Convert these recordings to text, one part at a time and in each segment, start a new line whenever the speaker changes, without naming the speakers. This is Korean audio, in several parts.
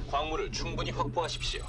광물을 충분히 확보하십시오.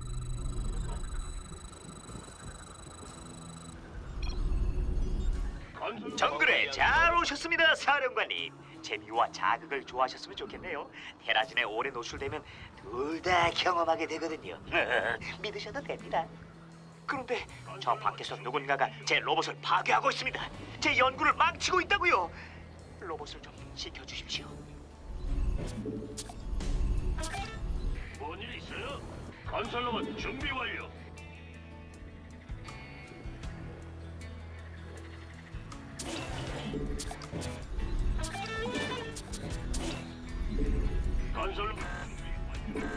정글에 잘 오셨습니다, 사령관님. 재미와 자극을 좋아하셨으면 좋겠네요. 테라진에 오래 노출되면 둘 다 경험하게 되거든요. 믿으셔도 됩니다. 그런데 저 밖에서 누군가가 제 로봇을 파괴하고 있습니다. 제 연구를 망치고 있다고요. 로봇을 좀 지켜주십시오.
뭔 일 있어요? 건설로봇 준비 완료. 건설로봇 준비 완료.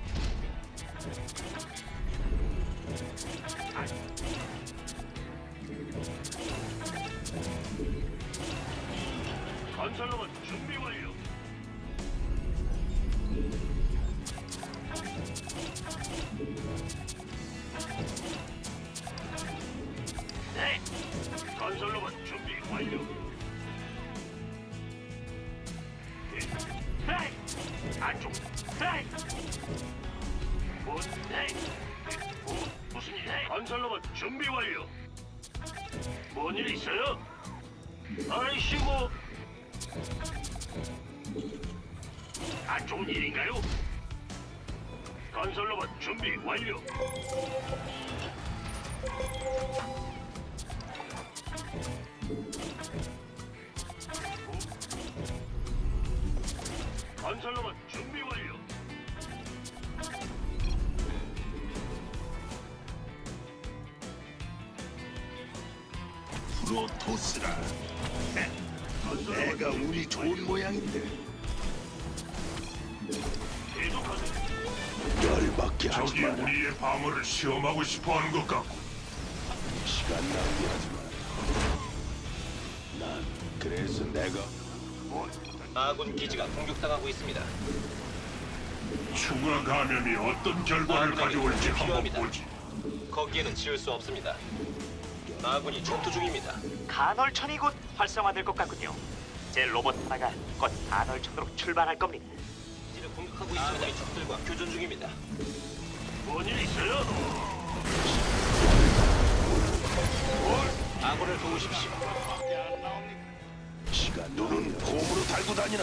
건설로봇 준비 완료. 네. 건설로봇 준비 완료. 네. 안쪽. 네. 네. 무슨 일? 네. 건설로봇 준비 완료. 뭔 일 있어요? 아이씨고. 안 좋은 일인가요? 건설로봇 준비 완료. 건설로봇 준비 완료.
프로토스라.
건설로봇
내가 운이 좋은 모양인데
계속하세요.
열받게 하지
저기
마라.
우리의 방어를 시험하고 싶어하는 것 같고.
시간 낭비하지 마라. 난 그래서 내가
아군 기지가 공격당하고 있습니다.
추가 감염이 어떤 결과를 가져올지 한번
필요합니다.
보지.
거기에는 지을 수 없습니다. 아군이 전투 중입니다.
간헐천이 곧 활성화될 것 같군요. 제 로봇 하나가 곧 간헐천으로 출발할 겁니다.
기지를 공격하고 있습니다. 아군이 적들과 교전 중입니다.
뭔 일 있어요?
아군을 도우십시오.
시간 눈은 곰으로 달고 다니나.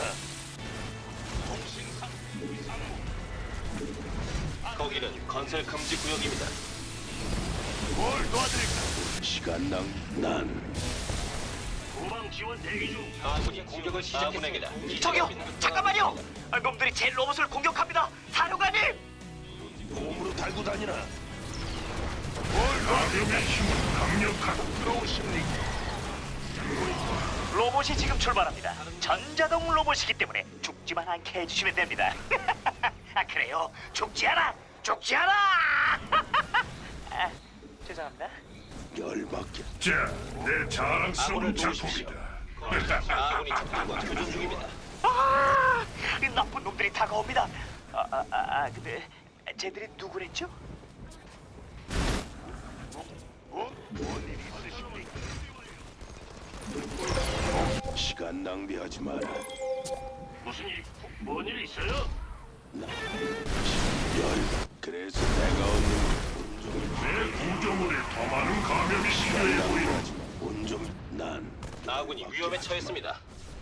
거기는 건설 금지 구역입니다.
뭘 도와드릴까?
시간 난
후방 지원 대기 중.
아군이 공격을 시작했습니다.
저기요, 잠깐만요. 놈들이 제 로봇을 공격합니다. 사령관님.
곰으로 달고 다니나.
감염의 힘은 강력하다. 들어오십니까?
로봇이 지금 출발합니다. 전자동 로봇이기 때문에 죽지만 않게 해주시면 됩니다. 아 그래요? 죽지 않아! 죽지 않아! 아, 죄송합니다.
열받게.
자, 내 자랑스러운
아군을 도우십시오.
작품이다.
아군이 적들과 교전 중입니다.
아, 이 나쁜 놈들이 다가옵니다. 근데 쟤들이 누구랬죠?
시간 낭비하지 마라.
무슨 일? 뭔 일 있어요?
그래서 내가 얻는
내 구조물에 더 많은 감염이 필요해 보이는.
온종일 난
아군이 위험에 처했습니다.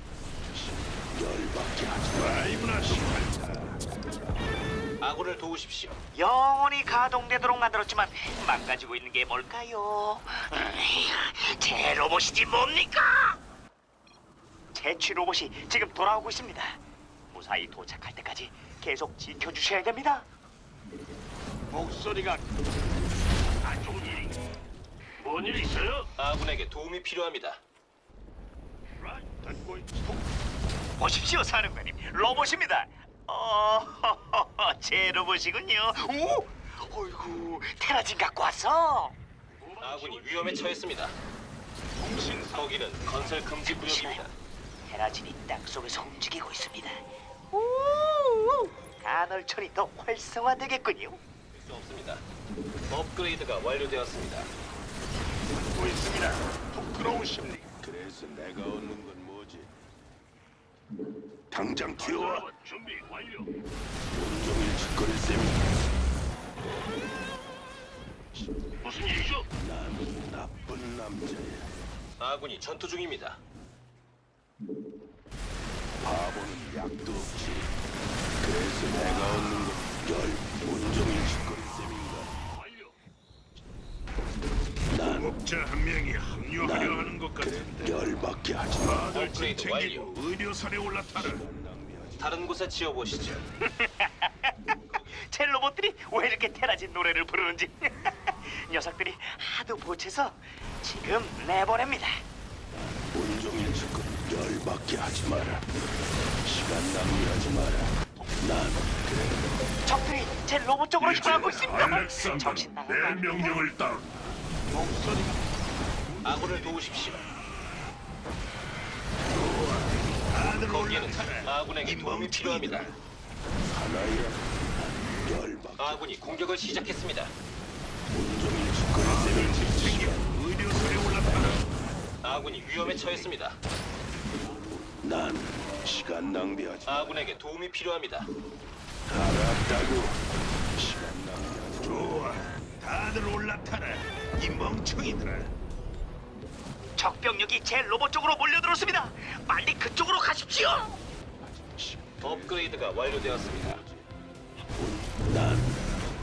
열받게 하지 마라.
라이브나 시간이다.
아군을 도우십시오.
영원히 가동되도록 만들었지만 망가지고 있는 게 뭘까요? 제 로봇이지 뭡니까? 제취 로봇이 지금 돌아오고 있습니다. 무사히 도착할 때까지 계속 지켜주셔야 됩니다.
목소리가 안 좋은 일이. 뭔 일 있어요?
아군에게 도움이 필요합니다.
듣고 있.
보십시오, 사령관님. 로봇입니다. 제 로봇이군요. 오, 어이구, 테라진 갖고 왔어.
아군이 위험에 처했습니다. 거기는 건설 금지 구역입니다.
테라진이 땅 속에서 움직이고 있습니다. 오, 간헐천이 더 활성화되겠군요.
수 없습니다. 업그레이드가 완료되었습니다.
듣고 있습니다. 부끄러우십니까?
그래서 내가 얻는 건 뭐지? 당장 튀어와.
준비 완료.
온종일 짓거릴 셈인가?
무슨 일이죠?
난 나쁜 남자야.
아군이 전투 중입니다.
바보는 약도 없지. 그래서 내가 얻는 건열 온종일 짓거릴 셈인가? 난
목자 한 명이 합류하려 하는 것 같은데.
열받게 하지 마.
다들 짐
업그레이드
챙기고 의료선에 올라타라.
다른 곳에 지어보시죠.
제 로봇들이 왜 이렇게 테라진 노래를 부르는지 녀석들이 하도 보채서 지금 내보냅니다.
온종일 짓거리 열받게 하지 마라. 시간 낭비하지 마라. 난 그래.
적들이 제 로봇 쪽으로 향하고 있습니다.
알렉산더는
정신 나간 거
내
아닙니까?
명령을 따른다.
아군을 도우십시오.
다들
거기에는
올라타라.
아군에게
이
도움이
멍청이들아.
필요합니다.
하나야. 열받게
아군이 공격을 시작했습니다.
온종일 짓거릴
다들 짐
셈인가?
챙기고 의료선에 올라타라.
아군이 위험에 처했습니다.
난 시간 낭비하지
아군에게 도움이 필요합니다.
알았다고. 시간 낭비하지
좋아. 다들 올라타라. 이 멍청이들아.
적병력이 제 로봇 쪽으로 몰려들었습니다. 빨리 그쪽으로 가십시오.
업그레이드가 완료되었습니다.
난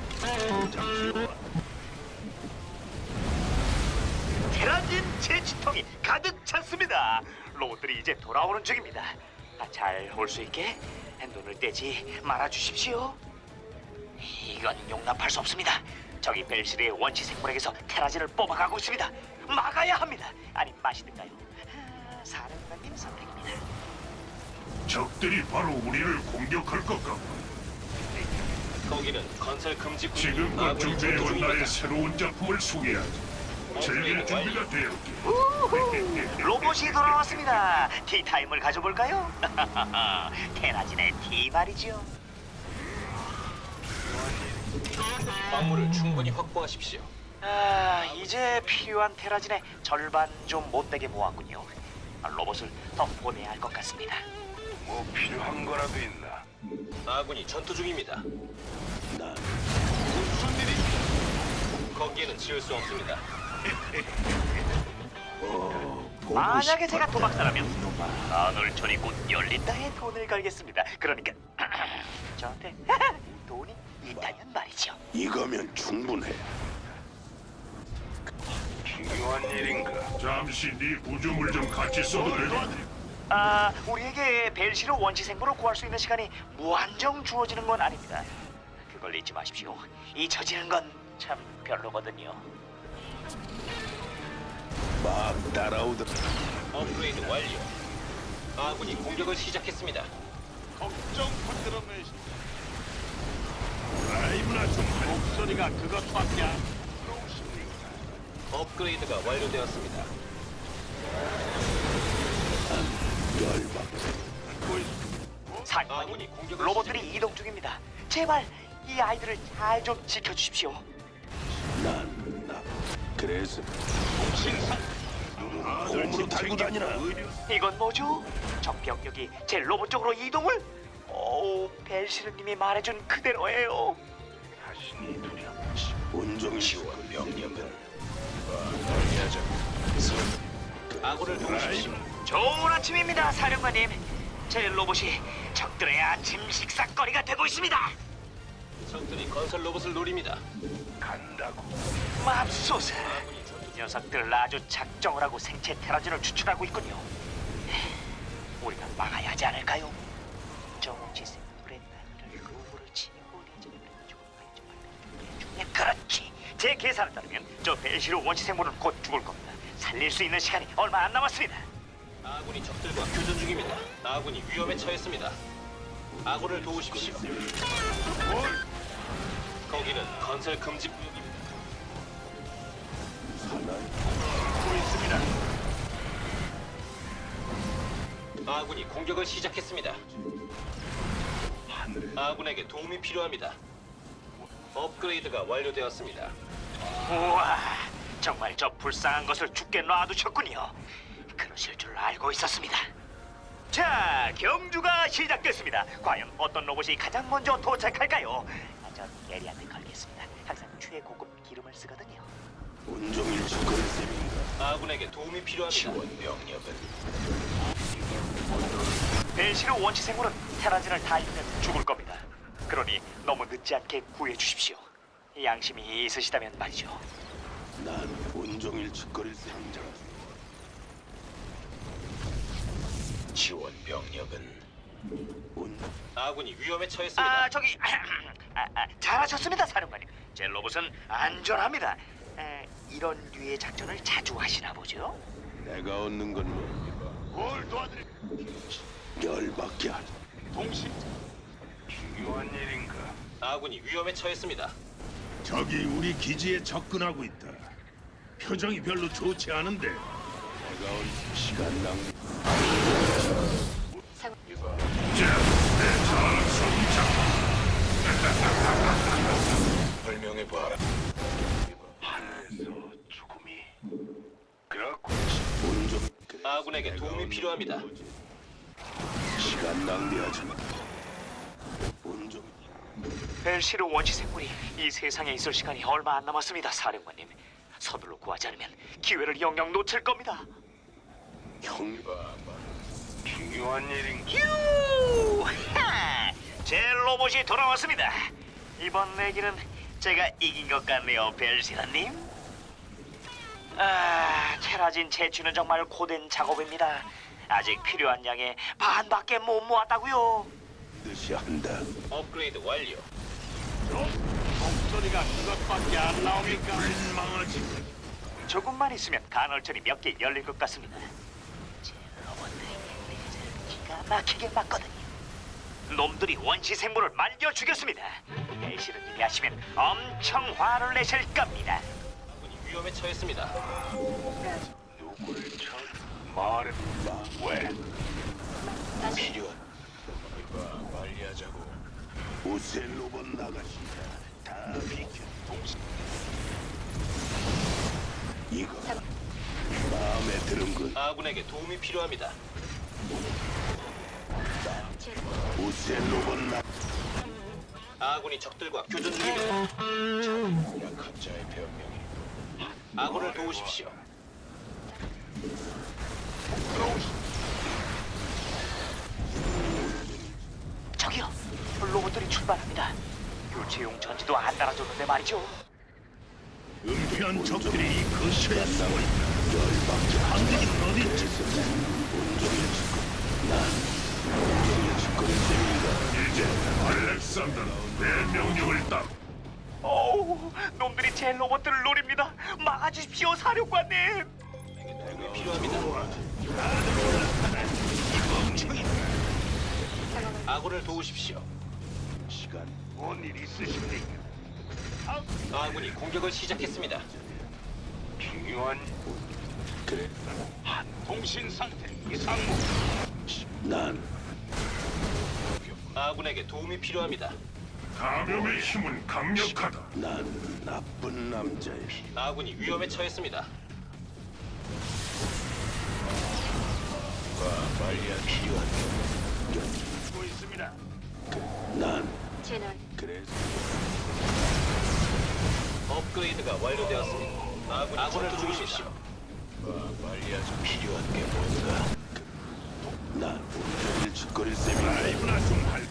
테라진 제지통이 가득 찼습니다. 로봇들이 이제 돌아오는 중입니다. 잘 올 수 있게 눈을 떼지 말아 주십시오. 이건 용납할 수 없습니다. 저기 벨시르의 원시 생물에게서 테라진을 뽑아가고 있습니다. 막아야 합니다. 아니 마시든가요? 사령관님 선택입니다.
적들이 바로 우리를 공격할 것 같고
거기는 건설 금지 구역이
지금껏
아군이 전투
준비해온
중입니다.
나의 새로운 작품을 소개하지. 즐길 준비가 되었기.
로봇이 돌아왔습니다. 티타임을 가져볼까요? 테라진의 티 말이죠.
광물을 충분히 확보하십시오.
이제 필요한 테라진의 절반 좀 못되게 모았군요. 로봇을 더 보내야 할 것 같습니다.
뭐 필요한 거라도 있나?
아군이 전투 중입니다.
난
거기에는 지을 수 없습니다.
만약에 제가 도박사라면 나눌천이 곧 열린다에 돈을 걸겠습니다. 그러니까 저한테 돈이 있다면 말이죠.
이거면 충분해.
중요한 일인가? 잠시 네 구조물 좀 같이 써도 되겠니?
우리에게 벨시로 원시 생물을 구할 수 있는 시간이 무한정 주어지는 건 아닙니다. 그걸 잊지 마십시오. 잊혀지는 건 참 별로거든요.
막 따라오더라.
업그레이드 완료. 아군이 공격을 시작했습니다.
라이브나 좀 목소리가 그것밖에 안
업그레이드가 완료되었습니다.
열받게.
사령관님,
아군이 공격을
로봇들이 이동 중입니다. 제발 이 아이들을 잘 좀 지켜주십시오.
난 나. 그래서
다들
홈으로
짐
달고
챙기고
다니나?
이건 뭐죠? 적병력이 제 로봇 쪽으로 이동을? 오, 벨시르님이 말해준 그대로예요.
자신이 두려.
온종일 짓거릴 명령을.
아군을 도우십시오.
좋은 아침입니다, 사령관님. 제 로봇이 적들의 아침 식사거리가 되고 있습니다.
적들이 건설 로봇을 노립니다.
간다고.
맙소사.
아군이 전투
녀석들 아주 작정을 하고 생체 테라진을 추출하고 있군요. 우리가 막아야 하지 않을까요? 정지 생물의 나이를 로브를 치고 그렇지. 제 계산에 따르면 저 벨시로 원시 생물은 곧 죽을 겁니다. 살릴 수 있는 시간이 얼마 안 남았습니다.
아군이 적들과 교전 중입니다. 아군이 위험에 처했습니다. 아군을 도우십시오. 거기는 건설 금지 구역입니다.
하고 있습니다.
아군이 공격을 시작했습니다. 아군에게 도움이 필요합니다. 업그레이드가 완료되었습니다.
우와, 정말 저 불쌍한 것을 죽게 놔두셨군요. 그러실 줄 알고 있었습니다. 자, 경주가 시작됐습니다. 과연 어떤 로봇이 가장 먼저 도착할까요? 전 게리한테 걸겠습니다. 항상 최고급 기름을 쓰거든요.
온종일 짓거릴 셈인가?
아군에게 도움이 필요합니다.
지원 병력은
벨시르 원시 생물은 테라진을 다 잃으면 죽을 겁니다. 그러니 너무 늦지 않게 구해 주십시오. 양심이 있으시다면 말이죠.
난 온종일 짓거릴 셈인가? 지원 병력은
아군이 위험에 처했습니다.
저기 잘하셨습니다, 사령관님. 제 로봇은 안전합니다. 이런 류의 작전을 자주 하시나 보죠?
내가 얻는 건 뭐?
뭘 도와드릴?
열받게 하지.
동시 중요한 일인가?
아군이 위험에 처했습니다.
적이 우리 기지에 접근하고 있다. 표정이 별로 좋지 않은데.
내가 온 시간 낭비.
자, 내 자랑 성장.
설명해 봐라.
하늘에서 죽음이. 그렇고
온종
아군에게 도움이 필요합니다.
시간 낭비하지 마. 온종
벨시르 원시 생물이 이 세상에 있을 시간이 얼마 안 남았습니다, 사령관님. 서둘러 구하지 않으면 기회를 영영 놓칠 겁니다.
형
중요한 일인가?
유하! 제 로봇이 돌아왔습니다. 이번 내기는 제가 이긴 것 같네요, 벨시르님. 테라진 채취는 정말 고된 작업입니다. 아직 필요한 양의 반밖에 못 모았다고요.
뜻이 한다.
업그레이드 완료.
목소리가 그것밖에 안 나오니까. 망하지.
조금만 있으면 간헐천이 몇 개 열릴 것 같습니다. 제 로봇들이 레이저를 기가 막히게 맞거든요. 놈들이 원시 생물을 말려 죽였습니다. 벨시르님이 하시면 엄청 화를 내실 겁니다.
아군이 위험에 처했습니다.
누구를 쳐? 말해. 왜?
필요한. 이봐, 빨리 하자고. 오셀 로봇 나가신다. 다 비켜. 이거 마음에 드는군.
아군에게 도움이 필요합니다.
오셀 로봇 나.
아군이 적들과 교전 중입니다.
약한 자의 변명이.
아군을 도우십시오.
저기요, 로봇들이 출발합니다. 교체용 전지도 안 달아줬는데 말이죠.
은폐한 적들이 이 근처에
시간 낭비.
숨어있다.
열받게
한국인 어딨지?
온종일 짓고. 난 온종일 짓거릴 셈인가?
이제 알렉산더는 내 명령을 따.
어우, 놈들이 제 로봇들을 노립니다. 막아주십시오, 사령관님.
도움이 필요합니다. 아군을 도우십시오.
시간
뭔 일 있으십니까?
아군이 공격을 시작했습니다.
중요한
그래.
통신 상태 이상무.
난
아군에게 도움이 필요합니다.
감염의 힘은 강력하다.
난 나쁜 남자야.
아군이 위험에 처했습니다.
빨리 필요한.
듣고 있습니다.
난
채널
그래서
업그레이드가 완료되었습니다. 아군을 도우십시오.
빨리 하자. 필요한 게 뭔가? 난 온종일 짓거릴 셈인가?
라이브나 좀 할.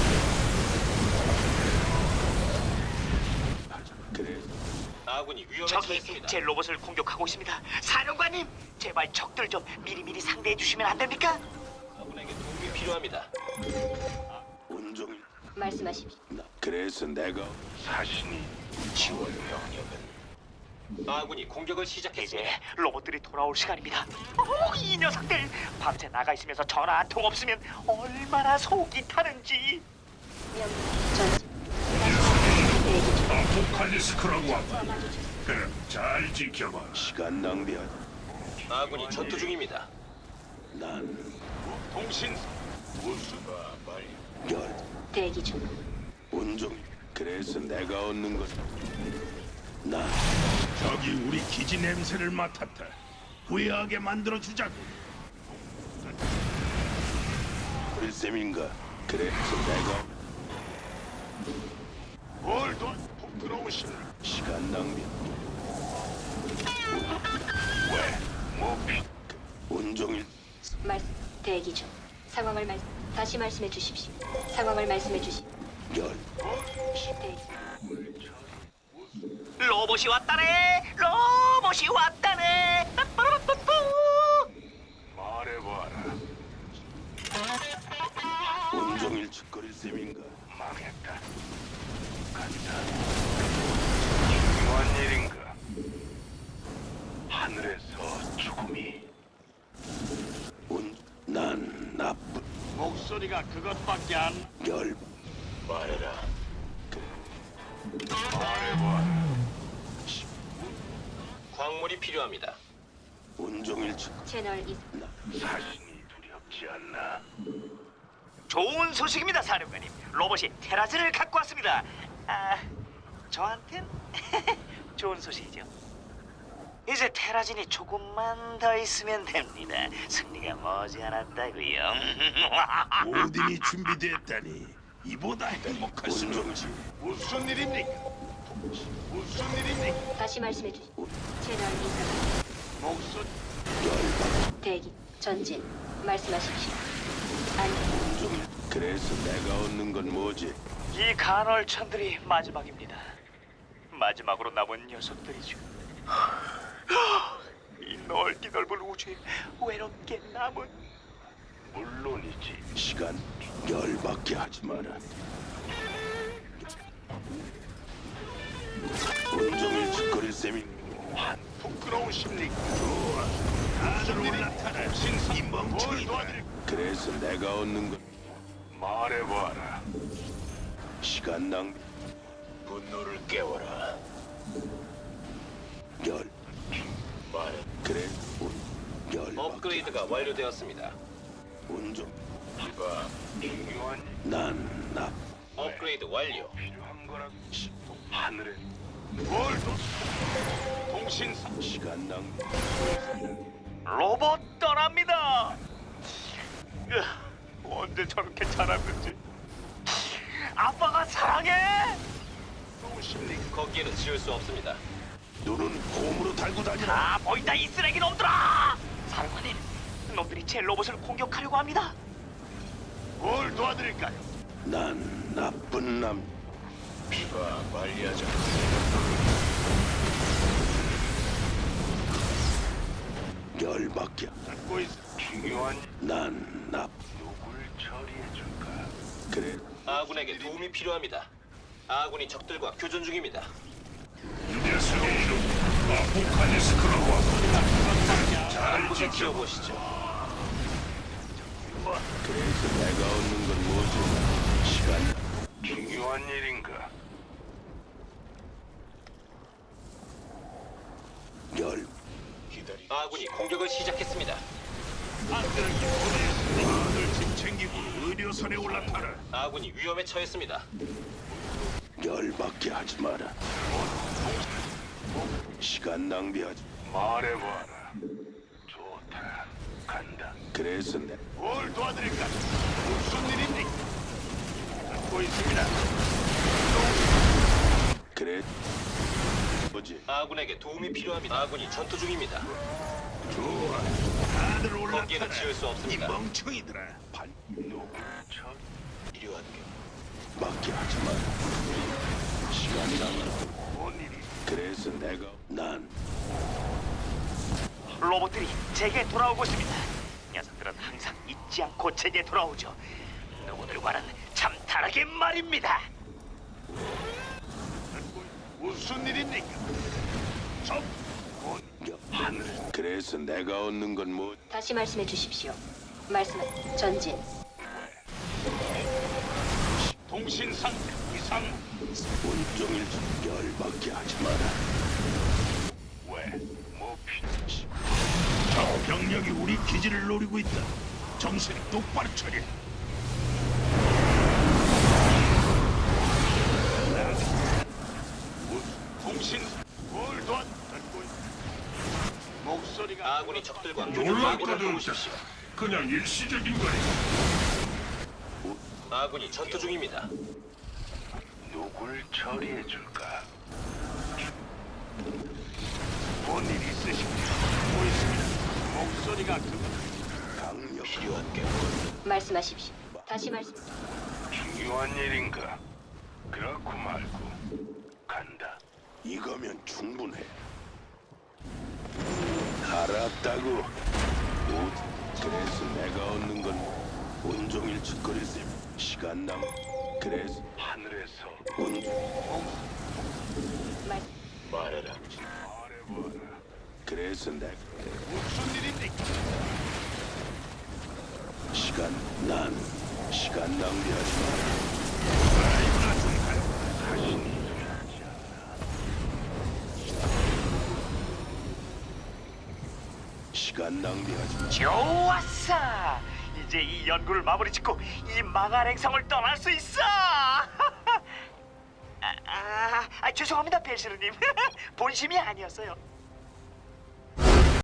그래.
아군이 위험에
저기
처했습니다.
제 로봇을 공격하고 있습니다. 사령관님, 제발 적들 좀 미리미리 상대해 주시면 안 됩니까?
아군에게 도움이 필요합니다.
온종일
말씀하십시오.
나 그래서 내가
사신이
지원 병력은
아군이 공격을 시작했습니다.
이제 로봇들이 돌아올 시간입니다. 이 녀석들 밤새 나가 있으면서 전화 한 통 없으면 얼마나 속이 타는지.
전지
아포칼리스크라고 한다. 그럼 잘 지켜봐.
시간 낭비하지.
아군이 전투 중입니다.
난
통신
우수가 빨리 열
대기 중.
온종일 그래서 내가 얻는 건 난
적이 우리 기지 냄새를 맡았다. 후회하게 만들어 주자고.
짓거릴 셈인가? 그래서 내가
뭘더 부끄러우신
시간 낭비. 온종일
대기 중. 상황을 다시 말씀해 주십시오. 상황을 말씀해 주십시오.
열.
대기.
로봇이 왔다네. 로봇이 왔다네. 빠빠라빠빠.
말해봐라.
온종일 짓거릴 셈인가?
망했다. 간다. 중요한 일인가? 하늘에서 죽음이.
난 나쁜
목소리가 그것밖에 안.
열.
말해라. 말해봐라.
광물이 필요합니다.
온종일 짓.
채널 이
자신이 두렵지 않나?
좋은 소식입니다, 사령관님. 로봇이 테라즈를 갖고 왔습니다. 저한텐 좋은 소식이죠. 이제 테라진이 조금만 더 있으면 됩니다. 승리가 머지않았다고요.
오딘이 준비됐다니 이보다 행복할 수는 없지. 무슨 일입니까? 무슨 일입니까?
다시 말씀해 주십시오. 채널 이상.
목소리.
대기. 전진. 말씀하십시오. 안녕.
그래서 내가 얻는 건 뭐지?
이 간헐천들이 마지막입니다. 마지막으로 남은 녀석들이죠. 이 넓기 넓은 우주에 외롭게 남은.
물론이지.
시간 열받게 하지 마라. 온종일 짓거릴 셈이.
부끄러우십니까? 좋아. 다들 올라타라. 신사 이 멍청이다.
그래서 내가 얻는 건
말해봐라.
시간 낭비.
분노를 깨워라.
열.
말해.
그래. 열받게.
업그레이드가 완료되었습니다.
온종.
이봐. 중요한
난 나.
업그레이드 완료.
필요한 거라. 하늘에. 뭘 또? 통신사.
시간 낭비.
로봇 떠납니다. 언제 저렇게 자랐는지. 아빠가 사랑해.
부끄러우십니까?
거기에는 지울 수 없습니다.
눈은 곰으로 달고 다니라.
다 보인다 이 쓰레기 놈들아. 사령관님, 놈들이 제 로봇을 공격하려고 합니다.
뭘 도와드릴까요?
난 나쁜 남.
이봐. 빨리 하자.
열받게.
듣고 있어. 중요한
난 나.
누굴 처리해줄까?
그래.
아군에게 도움이 필요합니다. 아군이 적들과 교전 중입니다.
녀석의 이름 아포칼리스크라고 하고. 잘
한곳에 지어보시죠.
그래서 내가 얻는 건 뭐지? 시간.
중요한 일인가?
열.
기다리.
아군이 공격을 시작했습니다.
다들 짐 챙기고 의료선에 올라타라.
아군이 위험에 처했습니다.
열받게 하지 마라. 시간 낭비하지.
말해봐라. 좋다. 간다.
그래서 내
뭘 도와드릴까? 무슨 일입니까? 듣고 있습니다.
그래. 뭐지?
아군에게 도움이 필요합니다. 아군이 전투 중입니다.
좋아. 다들
거기에는
올라타라.
지울 수
이
없습니다.
멍청이들아.
누구
저
필요한 게
맞게 하지 마라. 시간 낭비.
뭔 일이?
그래서 내가 난
로봇들이 제게 돌아오고 있습니다. 녀석들은 항상 잊지 않고 제게 돌아오죠. 누구들과는 참 다르게 말입니다.
무슨 일입니까? 저
하늘. 그래서 내가 얻는 건 뭐?
다시 말씀해 주십시오. 말씀. 전진.
통신 상태 이상.
온종일 열받게 하지 마라.
왜? 뭐 필요하지? 저 병력이 우리 기지를 노리고 있다. 정신 똑바로 차려. 통신 뭘 도와? 듣고 있- 목소리가
아군이 적들과 교전
놀랍다
중입니다.
진짜. 그냥 일시적인 거야.
아군이 전투 중입니다.
누굴 처리해 줄까? 뭔일 있으십니까? 뭐 있습니다. 목소리가
강력
필요한 게
말씀하십시오. 다시 말씀.
중요한 일인가? 그렇고 말고 간다.
이거면 충분해. 알았다고. 그래서 내가 얻는 건 온종일 짓거리지. 시간 남. 그래서
하늘에서
온
말
말해라.
말해봐라.
그래서 내가
무슨 일입니까?
시간 낭비하지 마.
라이브나 좀 가요. 자신이 되지 않아.
시간 낭비하지 마.
좋았어. 이제 이 연구를 마무리 짓고 이 망할 행성을 떠날 수 있어. 죄송합니다, 벨시르님. 본심이 아니었어요.